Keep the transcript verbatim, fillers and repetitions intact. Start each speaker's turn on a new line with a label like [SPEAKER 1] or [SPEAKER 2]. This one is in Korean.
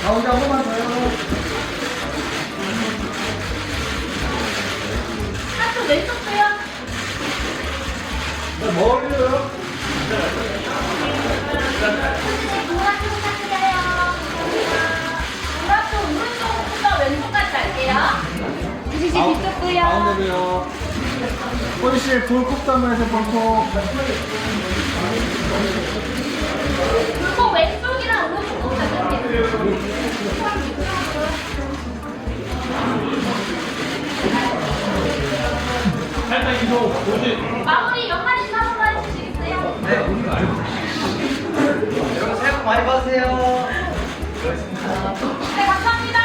[SPEAKER 1] 가운데 한 번만 더요.
[SPEAKER 2] 한쪽 왼쪽 도요.
[SPEAKER 1] 머리요.
[SPEAKER 2] 노란쪽 부탁드려요. 노란쪽 오른쪽부터 왼쪽까지 갈게요. 이제 뒤쪽도요.
[SPEAKER 1] 가운데도요. 꼬리씨 돌콕 담아서 볼콕.
[SPEAKER 2] 그리고 왼쪽이랑 오른쪽 부탁드릴게요.
[SPEAKER 1] 살짝 이동. 도지.
[SPEAKER 2] 마무리 연말이 한 번만 해주시겠어요?
[SPEAKER 3] 네. 여러분 새해 복 많이 받으세요.
[SPEAKER 2] 네, 감사합니다.